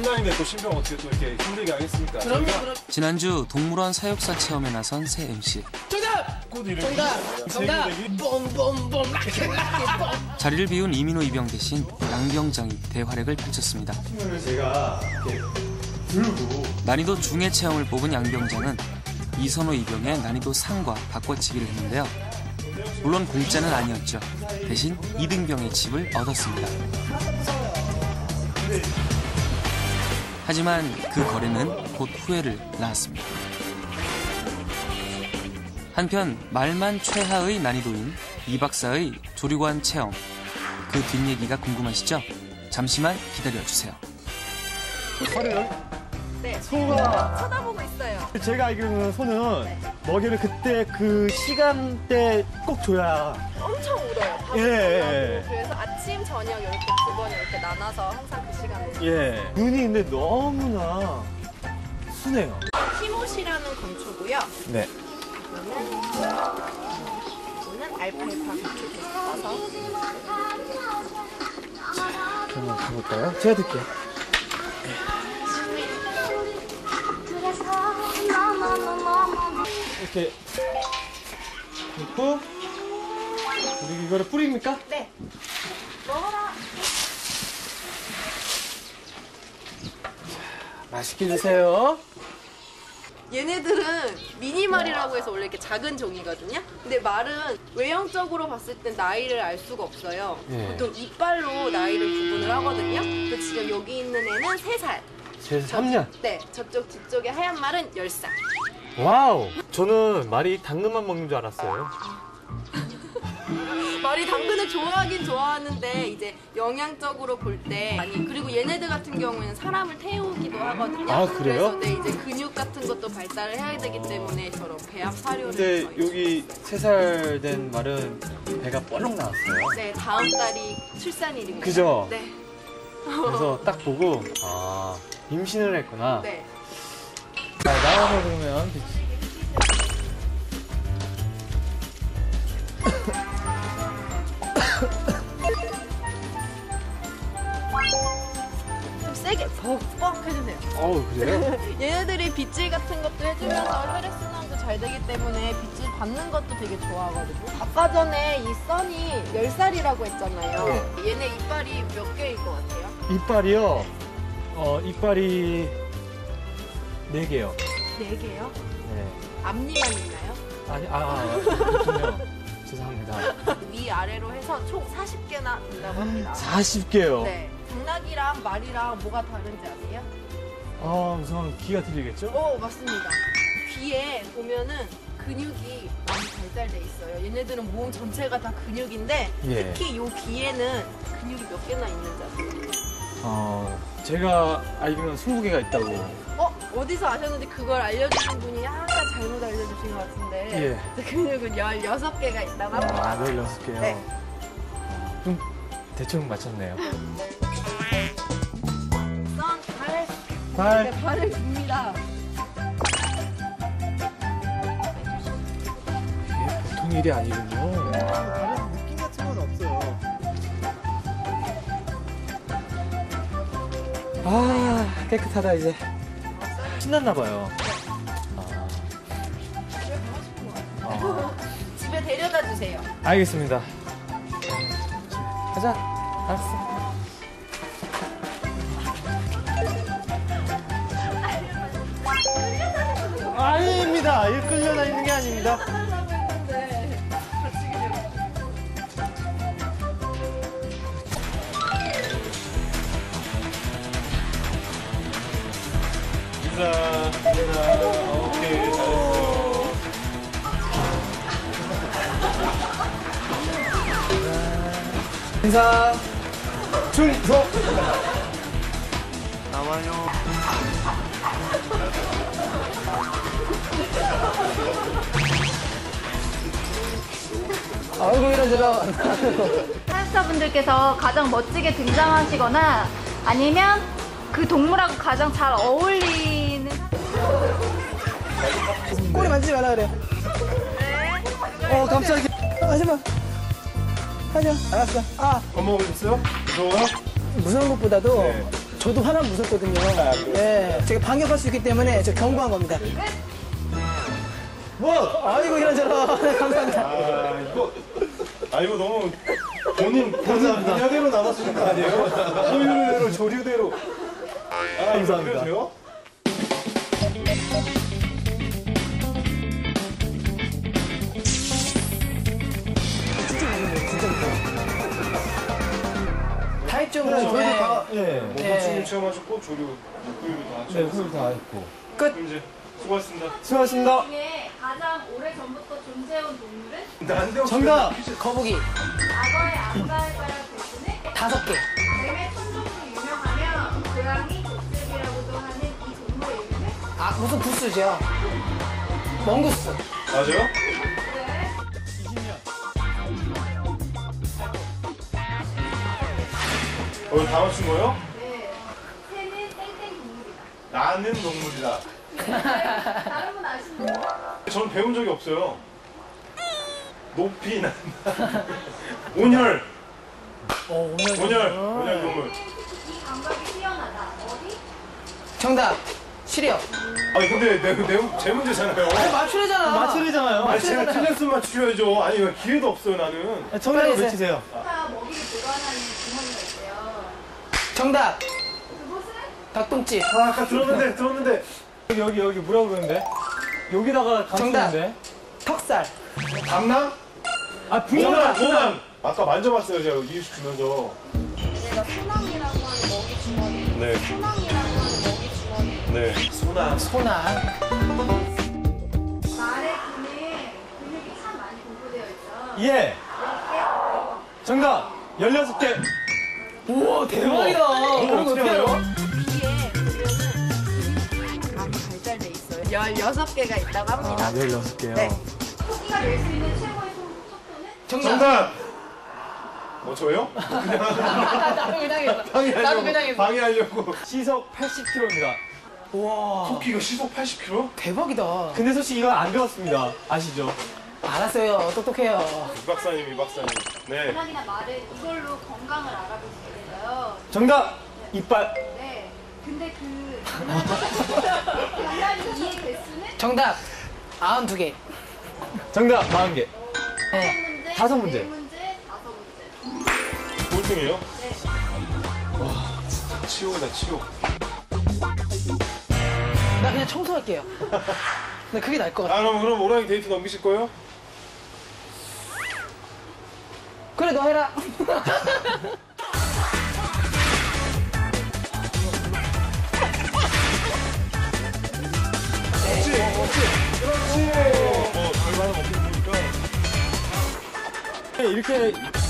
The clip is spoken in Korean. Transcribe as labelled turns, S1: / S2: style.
S1: 신랑인데 또 신병 어떻게 또 이렇게 힘들게 하겠습니까?
S2: 그럼요.
S3: 지난주 동물원 사육사 체험에 나선 새 MC.
S2: 정답! 정답! bombomбом!
S3: 자리를 비운 이민호 이병 대신 양병장이 대활약을 펼쳤습니다.
S1: 제가 이렇게 들고
S3: 난이도 중의 체험을 뽑은 양병장은 이선호 이병의 난이도 상과 바꿔치기를 했는데요. 물론 공짜는 아니었죠. 대신 2등병의 칩을 얻었습니다. 하지만 그 거래는 곧 후회를 낳았습니다. 한편 말만 최하의 난이도인 이 박사의 조류관 체험, 그 뒷얘기가 궁금하시죠? 잠시만 기다려주세요.
S1: 소를
S4: 네.
S1: 소가
S4: 쳐다보고 있어요.
S1: 제가 알기로는 소는 먹이를 그때 그 시간대 꼭 줘야
S4: 엄청 울어요. 밥을
S1: 예.
S4: 그래서 아침, 저녁 이렇게 두 번 이렇게 나눠서 항상 그 시간에.
S1: 예. 눈이 근데 너무나 순해요.
S4: 티모시라는 건초고요.
S1: 네.
S4: 이거는 알파알파 건초 써서.
S1: 한번 가볼까요? 제가 들게요. 이렇게 넣고 우리 이거를 뿌립니까?
S4: 네. 먹어라.
S1: 맛있게 드세요.
S4: 얘네들은 미니말이라고 해서 원래 이렇게 작은 종이거든요. 근데 말은 외형적으로 봤을 땐 나이를 알 수가 없어요.
S1: 네.
S4: 보통 이빨로 나이를 구분을 하거든요. 근데 지금 여기 있는 애는 3살.
S1: 제 3년.
S4: 네, 저쪽 뒤쪽에 하얀 말은 10살.
S1: 와우. 저는 말이 당근만 먹는 줄 알았어요.
S4: 말이 당근을 좋아하긴 좋아하는데 이제 영양적으로 볼 때 아니 그리고 얘네들 같은 경우에는 사람을 태우기도 하거든요.
S1: 아, 그래요?
S4: 그래서 네, 이제 근육 같은 것도 발달을 해야 되기 때문에 저런 배합 사료를
S1: 근데
S4: 저희
S1: 여기 3살 된 말은 배가 뻘렁 나왔어요.
S4: 네, 다음 달이 출산일입니다.
S1: 그죠?
S4: 네.
S1: 그래서 딱 보고 아 임신을 했구나.
S4: 네.
S1: 자, 나와서 그러면
S4: 좀 세게 벅벅 해주세요.
S1: 어우 그래요?
S4: 얘네들이 빗질 같은 것도 해주면서 혈액순환도 잘 되기 때문에 빗질 받는 것도 되게 좋아하거든요. 아까 전에 이 써니 10살이라고 했잖아요.
S1: 네.
S4: 얘네 이빨이 몇 개일 것 같아요?
S1: 이빨이요? 이빨이 4개요.
S4: 4개요?
S1: 네.
S4: 앞니만 있나요?
S1: 아니, 그렇군요. 죄송합니다.
S4: 위아래로 해서 총 40개나 된다고 합니다.
S1: 40개요?
S4: 네. 당나귀랑 말이랑 뭐가 다른지 아세요?
S1: 우선 귀가 들리겠죠?
S4: 맞습니다. 귀에 보면은 근육이 많이 발달돼 있어요. 얘네들은 몸 전체가 다 근육인데
S1: 예.
S4: 특히 요 귀에는 근육이 몇 개나 있는지 아세요?
S1: 제가 알기로는 20개가 있다고.
S4: 어디서 아셨는지 그걸 알려주신 분이 약간 잘못 알려주신 것 같은데
S1: 예.
S4: 근육은 16개가 있다고 합니다.
S1: 16개요?
S4: 네.
S1: 좀 대충 맞췄네요. 발.
S4: 네, 발을 깁니다.
S1: 이게 보통 일이 아니군요. 다른 느낌 같은 건 없어요. 깨끗하다 이제. 신났나 봐요.
S4: 집에 데려다 주세요.
S1: 알겠습니다. 가자. 알았어. 아닙니다. 일 끌려다니는 게 아닙니다. 인사. 오케이, 잘했어요. 인사. 충성. 나와요. 아이고 이러저러.
S5: 사육사분들께서 가장 멋지게 등장하시거나 아니면 그 동물하고 가장 잘 어울리는
S2: 꼬리 만지지 말라 그래.
S1: 깜짝이야.
S2: 하지마. 하자. 알았어.
S1: 밥 먹으셨어요? 무서워요?
S2: 무서운 것보다도
S1: 네.
S2: 저도 하나 무섭거든요. 네, 제가 반격할 수 있기 때문에 저 경고한 겁니다.
S1: 뭐?
S2: 아이고 이런저런. 네, 감사합니다.
S6: 이거 너무 본인 분야대로 나갔으는 거 아니에요? 소유대로, 조류대로.
S1: 감사합니다.
S6: 그래도 돼요?
S2: 다 했죠.
S1: 네, 저희도
S2: 네.
S1: 다, 예.
S6: 뭐
S2: 네.
S6: 건축 체험하셨고, 조류, 소유도 다
S1: 네,
S6: 하셨고.
S1: 후일 다 했고.
S2: 끝.
S6: 이제 수고하셨습니다.
S1: 수고하셨습니다.
S5: 중에 가장 오래전부터 존재해온 동물은
S6: 난데없이
S1: 정답!
S2: 거북이
S5: 과거의 안가을가락 대신에
S2: 5개.
S5: 뱀의 천적으로 유명하며 고양이 족제비라고도 하는 이 동물의 이름은
S2: 아, 무슨 부스죠? 멍구스.
S6: 맞아요? 다 맞춘 거예요?
S5: 네. 새는 땡땡 동물이다.
S6: 나는 동물이다.
S5: 다른 분 아시나요?
S6: 전 배운 적이 없어요. 높이 난다. 온혈. 온혈 동물.
S5: 이 감각이 뛰어나다. 어디?
S2: 정답. 시리얼.
S6: 아니 근데 제 문제잖아요.
S2: 맞추래잖아.
S1: 맞추리잖아요.
S6: 아니 제가 틀렸으면 맞추셔야죠. 아니 왜 기회도 없어요 나는.
S1: 정답을
S2: 빨리
S1: 외치세요.
S5: 가 먹이를 보관하는 주머니가 있대요.
S2: 정답.
S5: 그곳은
S2: 닭똥집.
S6: 아까 들었는데.
S1: 여기 뭐라고 그러는데? 여기다가
S2: 정답.
S1: 감추는데?
S2: 턱살.
S6: 강남?
S1: 아, 분명
S6: 모남. 아까 만져봤어요 제가 이유식 주면서.
S4: 얘가 소낭이라고 하는 먹이 주머니.
S6: 네.
S4: 소낭이라고 하는 먹이 주머니.
S6: 네. 소남.
S2: 소나.
S5: 말의 근육이 참 많이 공부되어 있죠.
S1: 예. 정답. 16개.
S2: 우와, 대박이다. 그런 거 어떻게 해요?
S4: 귀에 보면은 아주 발달돼 있어요. 16개가 있다고 합니다.
S1: 16개요.
S4: 네.
S5: 토끼가 낼 수 있는 최고의 속도는?
S2: 정답.
S6: 저요?
S2: 나도 그냥 했어. 나도 그냥 했어.
S6: 방해하려고.
S1: 시속 80km입니다.
S2: 우와.
S6: 토끼가 시속 80km?
S2: 대박이다.
S1: 근데 솔직히 이건 안 배웠습니다. 아시죠?
S2: 알았어요. 똑똑해요.
S6: 이 박사님. 네.
S5: 고양이나 말은 이걸로 건강을 알아볼 수 있어요.
S1: 정답. 이빨.
S5: 네. 근데 그 강아지 이의 개수는
S2: 정답. 92개.
S1: 정답. 40개.
S2: 네.
S1: 5문제.
S5: 4문제, 5문제.
S6: 꼴등이에요?
S5: 네.
S6: 와 진짜 치욕이다 치욕.
S2: 나 그냥 청소할게요. 근데 그게 나을 것 같아.
S6: 그럼 오랑이 데이트 넘기실 거예요?
S2: 그래, 너 해라.
S6: 그렇지. 뭐 결과는 없게 보니까.
S1: 이렇게